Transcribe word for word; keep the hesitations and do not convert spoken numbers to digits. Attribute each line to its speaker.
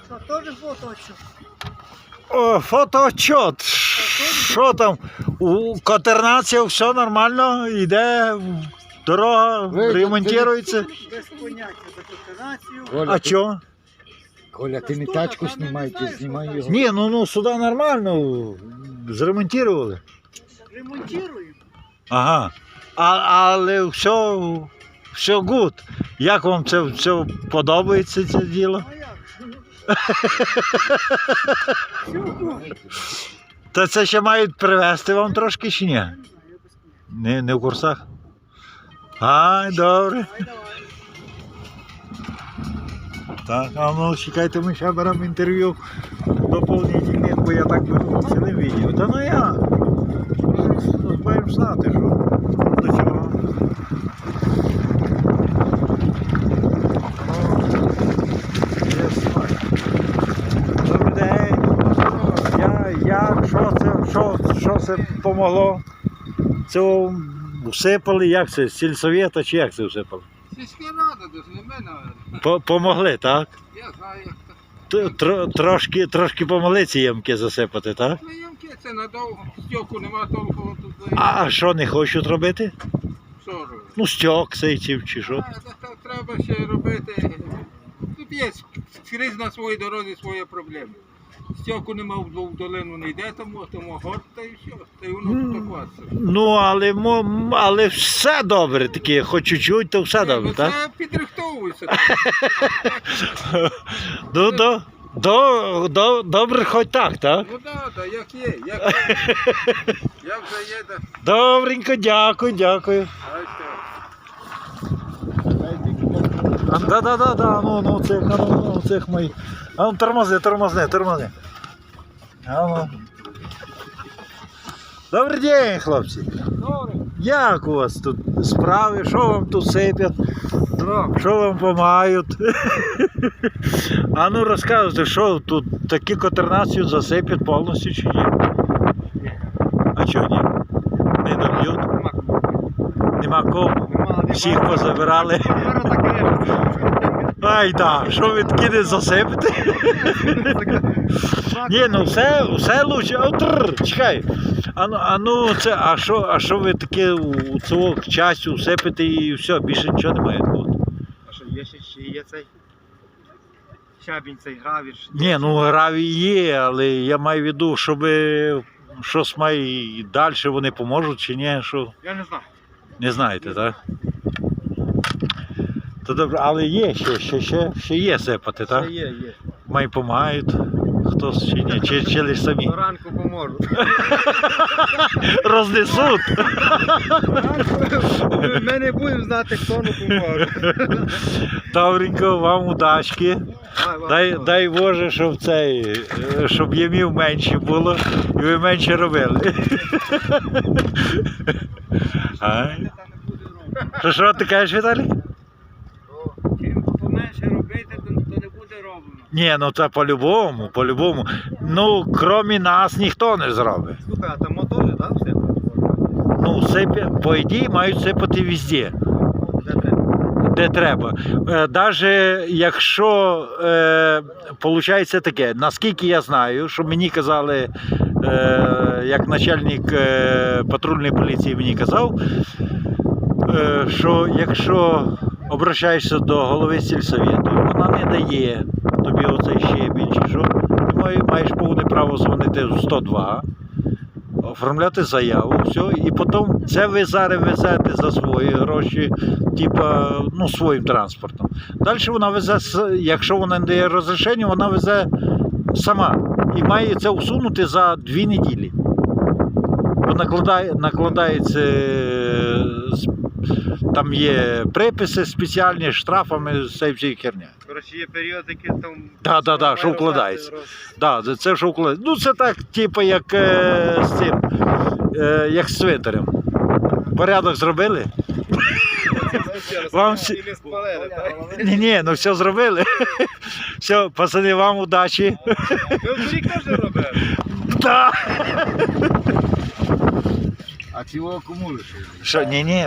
Speaker 1: Що, теж фотоотчет?
Speaker 2: О, фотоотчет. Що там? У котернація все нормально, йде, дорога ремонтується.
Speaker 1: Без поняття за координацію.
Speaker 3: Коля,
Speaker 2: А
Speaker 3: ти-
Speaker 2: чого?
Speaker 3: Коля, ти не тачку знімай, ти знімай його.
Speaker 2: Ні, ну, ну сюди нормально, зремонтували.
Speaker 1: Ремонтуємо.
Speaker 2: Ага. А, але все, все гуд. Як вам це все подобається, це діло?
Speaker 1: А як? Все вкупі.
Speaker 2: Та це ще мають привезти вам трошки чи ні?
Speaker 1: Не знаю, я без поняття.
Speaker 2: Не, не в курсах? Ай, добре.
Speaker 1: Давай, давай.
Speaker 2: Так, а ну чекайте, ми ще беремо інтерв'ю доповнительних, бо я так беру цілим відео. Та ну я. Маємо знати, що до чого. Ну, є смак. Добрий день. Я, я, що це, що, що це помогло? Це всипали, як це, з сільсовєта чи як це всипали?
Speaker 4: Сільська рада, десь не мене.
Speaker 2: По- Помогли, так?
Speaker 4: Я знаю, як це.
Speaker 2: Т- тро- Трошки, трошки помогли ці ямки засипати, так?
Speaker 4: Ну, ямки це надовго. Стьоку нема толку тут.
Speaker 2: А що не хочуть робити?
Speaker 4: Що робити?
Speaker 2: Ну, стьок цей чи, чи що?
Speaker 4: А, та- та треба ще робити. Тут є скрізь на своїй дорозі свої проблеми. Стьоку нема в в долину не йде, тому, тому горд та і все. Та й воно потокваться.
Speaker 2: Ну, але, мо- але все добре таке, хоч чуть-чуть, то все добре,
Speaker 4: Ну,
Speaker 2: так?
Speaker 4: це підрихтовується.
Speaker 2: Ну, до, до, до, добре хоч так, так?
Speaker 4: Ну так, да, як є, як є. Як вже є, так.
Speaker 2: Добренько, дякую, дякую.
Speaker 4: А що?
Speaker 2: А, да, да, да, да, ну, ну, цих, а ну, ну, цих мої. А ну, тормози, тормози, тормози. А ну. Добрий день, хлопці.
Speaker 4: Добре.
Speaker 2: Як у вас тут справи? Що вам тут сипять?
Speaker 4: Добре.
Speaker 2: Що вам допомагають? А ну розказуйте, що тут такі котернацію засипять повністю чи ні? А чого ні? Не доб'ють? Нема кому? Всіх позабирали. Ай да, що ви такі не засипите? Ні, ну все, все лучше. О, тррр, чекай. А ну, а ну це, а що, а що ви таке у цього частю всипите і все, більше нічого немає такого?
Speaker 5: А що, є ще, ще є цей щабінь, цей гравір?
Speaker 2: Ні, ну гравій є, але я маю в виду, щоб щось має і далі вони поможуть чи ні, що
Speaker 5: Я не знаю.
Speaker 2: не знаєте, так? То добре, але є ще, ще, ще, ще є сипати, так?
Speaker 5: Ще є, є.
Speaker 2: Май допомагають, хтось чи ні, чи, чи лише самі.
Speaker 5: До ранку поможу.
Speaker 2: Рознесуть.
Speaker 5: Ми не будемо знати, хто не поможе.
Speaker 2: Добренько, вам удачки. Дай, дай Боже, щоб цей, е, щоб ямів менше було і ви менше робили. Ай. Що, що ти кажеш, Віталій?
Speaker 5: Чим поменше робити, то, то не буде роблено.
Speaker 2: Ні, ну це по-любому, по-любому. Ну, крім нас, ніхто не зробить.
Speaker 5: Слухай, а там мотори, так, все?
Speaker 2: Ну, сипі, по ідеї, мають сипати везде,
Speaker 5: Де треба?
Speaker 2: де треба. Навіть якщо, е, виходить таке, наскільки я знаю, що мені казали, е, як начальник е, патрульної поліції мені казав, е, що якщо обращаєшся до голови сільсовєту, вона не дає тобі оцей щебінь, чи що, ти має- маєш повне право дзвонити в сто два, оформляти заяву, все, і потім це ви зараз везете за свої гроші, типа, ну, своїм транспортом. Далі вона везе, с- якщо вона не дає розрішення, вона везе сама і має це усунути за дві неділі. Бо накладає, накладається, е, з- там є приписи спеціальні, з штрафами, з цією всією херня.
Speaker 5: Коротше, є періодики, там...
Speaker 2: Да, да, да, що вкладається. Да, це що вкладається. Ну це так, типу, як е, з цим, е, як з цвинтарем. Порядок зробили? Вам всі...
Speaker 5: І не спалили, так?
Speaker 2: Ні, ні, ну все зробили. Все, пацани, вам удачі.
Speaker 5: Ви в рік теж робили?
Speaker 2: Да.
Speaker 3: А цього кому лише?
Speaker 2: Що, ні, ні.